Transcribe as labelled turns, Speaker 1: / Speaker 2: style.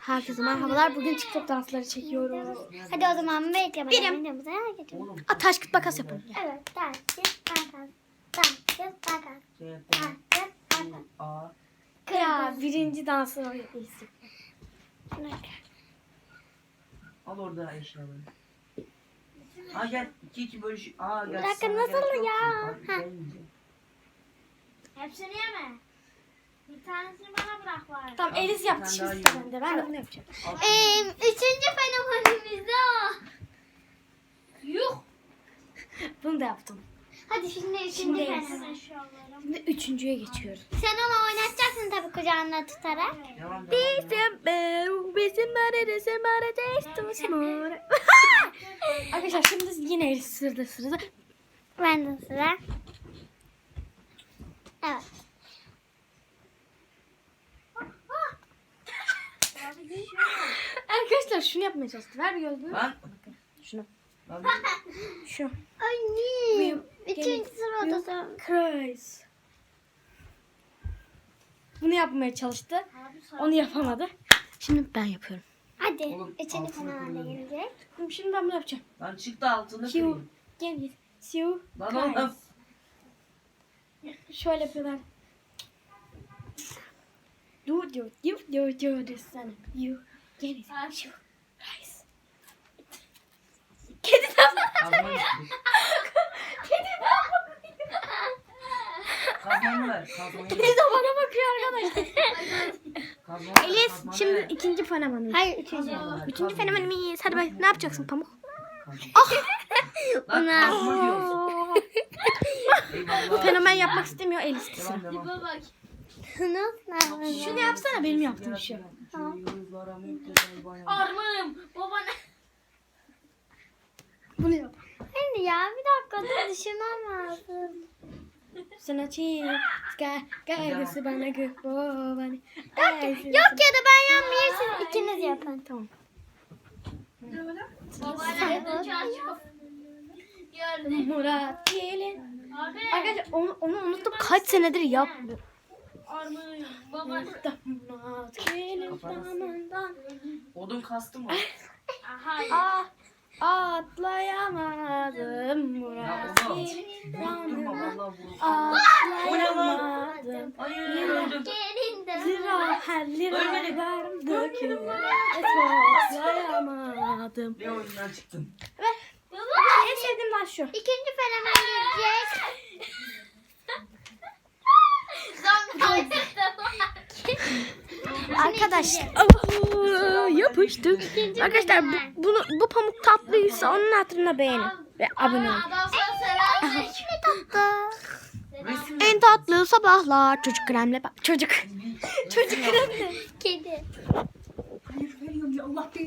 Speaker 1: Herkese merhabalar. Bugün TikTok dansları çekiyoruz.
Speaker 2: Hadi o zaman bekle.
Speaker 1: Benim. Taş kıt makas yapalım.
Speaker 2: Evet. Taş kıt makas. Taş kıt makas. Taş kıt makas.
Speaker 1: Ya birinci dansı iyisi.
Speaker 3: Al orada eşyaları. Ha gel 2-2 bölüş. Aa gel.
Speaker 2: Bir dakika,
Speaker 3: sana
Speaker 2: nasıl
Speaker 3: gerek yok
Speaker 2: ya?
Speaker 3: ki. Ben
Speaker 2: Ha.
Speaker 3: gelmeyeceğim.
Speaker 4: Hepsini yeme. Bir tanesini bana bırak bari.
Speaker 1: Tamam Eliz yaptı
Speaker 3: Bir
Speaker 1: şimdi
Speaker 3: tane
Speaker 1: sıra
Speaker 3: daha
Speaker 1: bende. Ben de bunu yapacağım.
Speaker 3: Al.
Speaker 2: Üçüncü fenomenimiz de o.
Speaker 4: Yuh.
Speaker 1: Bunu da yaptım.
Speaker 2: Hadi şimdi üçüncü
Speaker 1: Şimdi
Speaker 2: fenomen.
Speaker 4: Eşyalarım.
Speaker 1: Şimdi üçüncüye geçiyoruz.
Speaker 2: Sen onu oynatacaksın tabii kucağında tutarak.
Speaker 3: Devam.
Speaker 1: Arkadaşlar şimdi yine Eliz sırada.
Speaker 2: Ben de sıra. Evet.
Speaker 1: Arkadaşlar şunu yapmaya çalıştı. Ver bir gözlüğü.
Speaker 3: Lan.
Speaker 1: Şunu.
Speaker 3: Lan.
Speaker 1: Şu.
Speaker 2: Anne. Üçüncü sırada sen.
Speaker 1: Kreis. Bunu yapmaya çalıştı. Onu yapamadı. Şimdi ben yapıyorum.
Speaker 2: Hadi.
Speaker 3: Oğlum,
Speaker 2: Üçüncü
Speaker 3: altını
Speaker 2: fenomen de
Speaker 3: koyuyorum.
Speaker 2: gelecek.
Speaker 1: Şimdi ben bunu yapacağım.
Speaker 3: Lan çık da altını
Speaker 1: Siu.
Speaker 3: kırayım.
Speaker 1: Gel git. Siu.
Speaker 3: Lan
Speaker 1: Kreis.
Speaker 3: oğlum.
Speaker 1: Şöyle yapıyorlar. Do desene. You. Gel git. Siu. Kreis. Kedi de
Speaker 3: Kazmanı ver. Kazmanı ver. Kazmanı
Speaker 1: Kedi
Speaker 3: ver.
Speaker 1: de bana bakıyor arkadaşlar.
Speaker 3: Kazmanı ver,
Speaker 1: Eliz
Speaker 3: kazmanı
Speaker 1: şimdi
Speaker 3: ver.
Speaker 1: ikinci fenomenimiz.
Speaker 2: Hayır üçüncü.
Speaker 3: Kazmanı ver,
Speaker 1: Üçüncü
Speaker 3: kazmanı ver.
Speaker 1: fenomenimiz. Hadi bak ne yapacaksın Pamuk?
Speaker 3: Lan kazma diyorsun.
Speaker 1: Bu
Speaker 3: Eyvallah.
Speaker 1: fenomen yapmak istemiyor Eliz kızı.
Speaker 3: Devam devam.
Speaker 4: Bak.
Speaker 2: Nasıl?
Speaker 1: Şunu yapsana benim yaptığım işi.
Speaker 4: Armağım. Baba ne?
Speaker 1: Bunu yap.
Speaker 2: Anne ya bir dakika dur düşünmem lazım.
Speaker 1: Sana çiğ. Gaygısı bana gök bana.
Speaker 2: Yok ya da ben yapmayayım siz ikiniz yapın.
Speaker 1: Tamam.
Speaker 4: Baba ne? Çarşı. Gördüm.
Speaker 1: Murat gelin.
Speaker 4: Abi.
Speaker 1: Arkadaşlar onu unuttum. Kaç senedir yapmıyorum.
Speaker 4: Armağım. Baba.
Speaker 1: Murat gelin damından.
Speaker 3: Odun kastı mı?
Speaker 4: Aha.
Speaker 1: Atlayamadım
Speaker 3: Ya
Speaker 1: Murat
Speaker 3: oğlum.
Speaker 1: gelin
Speaker 3: Vurdurma
Speaker 1: damından.
Speaker 3: valla vur.
Speaker 1: Atlayamadım.
Speaker 3: Hayır öldüm.
Speaker 2: Gelin de.
Speaker 1: Lira her lira
Speaker 3: Ölmedim.
Speaker 1: verdim döküldü. Atlayamadım.
Speaker 3: Bir oyundan çıktım.
Speaker 1: En sevdiğim dans şu.
Speaker 2: İkinci fenomen gelecek.
Speaker 1: Arkadaşlar yapıştık. Arkadaşlar bu pamuk tatlıysa onun hatırına beğenin ve abone olun.
Speaker 3: Resim
Speaker 1: En tatlı sabahlar çocuk kremle çocuk kremle.
Speaker 2: Kedi.
Speaker 3: Hayır veriyorum ya Allah